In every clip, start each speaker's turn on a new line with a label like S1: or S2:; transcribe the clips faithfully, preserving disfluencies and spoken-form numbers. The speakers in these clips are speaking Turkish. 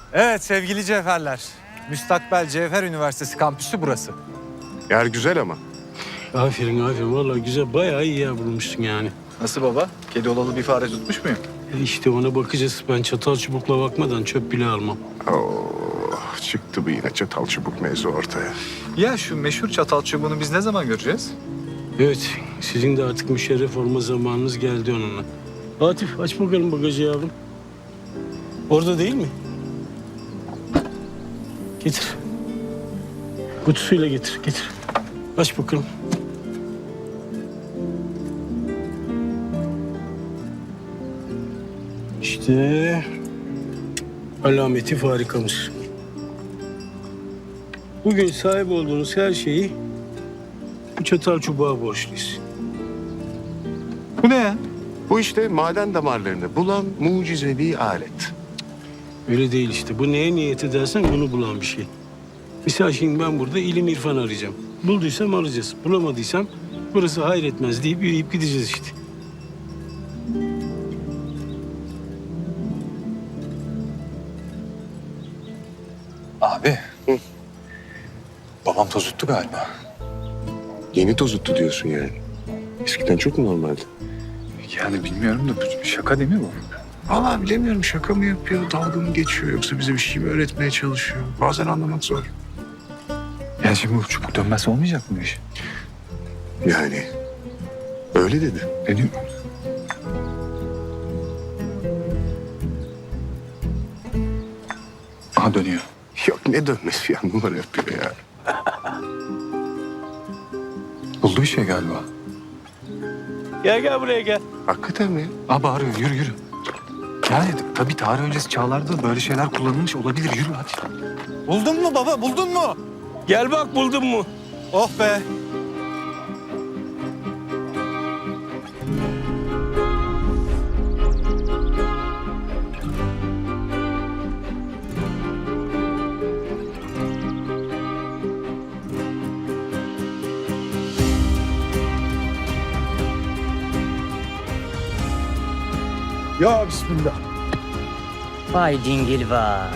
S1: Evet sevgili cevherler. Müstakbel Cevher Üniversitesi kampüsü burası.
S2: Yer güzel ama.
S3: Aferin aferin. Vallahi güzel. Bayağı iyi yer bulmuşsun yani.
S4: Nasıl baba? Kedi olalı bir fare tutmuş muyum?
S3: E işte ona bakacağız. Ben çatal çubukla bakmadan çöp bile almam.
S2: Oh, çıktı bu yine çatal çubuk mevzu ortaya.
S4: Ya şu meşhur çatal çubuğunu biz ne zaman göreceğiz?
S3: Evet. Sizin de artık müşerref olma zamanınız geldi onunla. Atif aç bakalım bagajı yavrum. Orada değil mi? Getir. Kutusuyla getir, getir. Aç bakalım. İşte alameti farikamız. Bugün sahip olduğunuz her şeyi bu çatal çubuğa borçluyuz.
S4: Bu ne ya?
S2: Bu işte maden damarlarını bulan mucizevi alet.
S3: Öyle değil işte. Bu neye niyet edersen bunu bulan bir şey. Misal şimdi ben burada ilim irfan arayacağım. Bulduysam alacağız. Bulamadıysam burası hayretmez deyip yürüyüp gideceğiz işte.
S4: Abi. Babam tozuttu galiba.
S2: Yeni tozuttu diyorsun yani. Eskiden çok mu normaldi?
S4: Yani bilmiyorum da bu şaka değil mi bu?
S2: Vallahi bilemiyorum, şaka mı yapıyor, dalga mı geçiyor yoksa bize bir şey mi öğretmeye çalışıyor? Bazen anlamak zor.
S4: Ya şimdi bu çubuk dönmez olmayacak mı bu iş?
S2: Yani öyle dedi.
S4: Ne diyor? Aha dönüyor.
S2: Yok ne dönmesi ya, numara yapıyor ya.
S4: Buldu bir şey galiba.
S3: Gel gel buraya gel.
S2: Hakikaten mi?
S4: Aa bağırıyor yürü yürü. Yani tabii tarih öncesi çağlarda böyle şeyler kullanılmış olabilir. Yürü hadi.
S1: Buldun mu baba buldun mu?
S3: Gel bak buldun mu?
S1: Oh be.
S5: Ya bismillah.
S6: Vay dingil vay.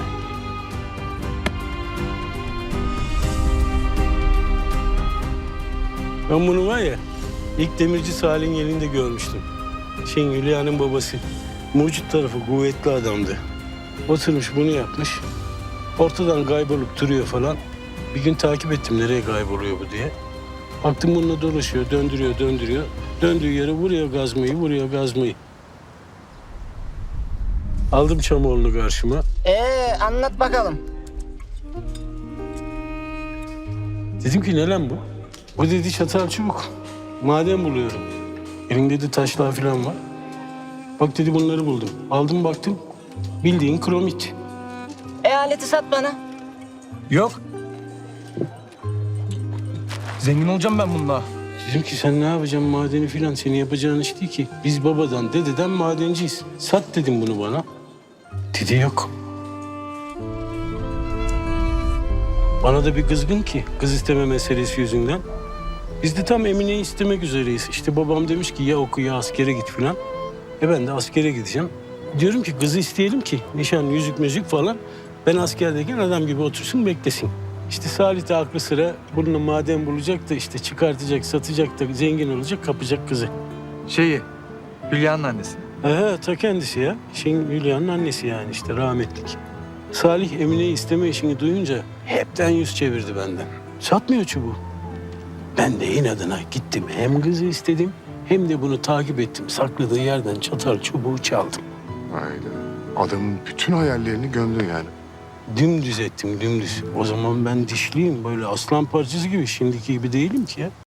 S3: Ben bunu var ya ilk demirci Salih'in elinde görmüştüm. Şeyin Hülya'nın babası. Mucit tarafı kuvvetli adamdı. Oturmuş bunu yapmış. Ortadan kaybolup duruyor falan. Bir gün takip ettim nereye kayboluyor bu diye. Baktım bununla dolaşıyor, döndürüyor, döndürüyor. Döndüğü yere vuruyor gazmayı, vuruyor gazmayı. Aldım Çamoğlu'nu karşıma.
S6: Ee anlat bakalım.
S3: Dedim ki ne lan bu? O dedi çatal çubuk. Maden buluyorum. Elimde de taşlar falan var. Bak dedi bunları buldum. Aldım baktım. Bildiğin kromit.
S6: E aleti sat bana.
S5: Yok. Zengin olacağım ben bununla.
S3: Dedim ki sen ne yapacaksın madeni filan? Senin yapacağın iş değil ki. Biz babadan, dededen madenciyiz. Sat dedim bunu bana. Dedi yok. Bana da bir kızgın ki kız isteme meselesi yüzünden. Biz de tam Emine'yi istemek üzereyiz. İşte babam demiş ki ya oku ya askere git filan. E ben de askere gideceğim. Diyorum ki kızı isteyelim ki nişan, yüzük, müzik falan. Ben askerdeyken adam gibi otursun beklesin. İşte Salih de aklı sıra bununla maden bulacak da işte çıkartacak, satacak da zengin olacak, kapacak kızı.
S4: Şeyi, Hülya'nın annesi.
S3: Aha, ta kendisi ya. Şeyin Hülya'nın annesi yani işte rahmetlik. Salih Emine'yi isteme işini duyunca hepten yüz çevirdi benden. Satmıyor çubuğu. Ben de inadına gittim hem kızı istedim hem de bunu takip ettim. Sakladığı yerden çatal çubuğu çaldım.
S2: Aynen. Adamın bütün hayallerini gömdün yani.
S3: Dümdüz ettim dümdüz. O zaman ben dişliyim böyle aslan parçası gibi. Şimdiki gibi değilim ki ya.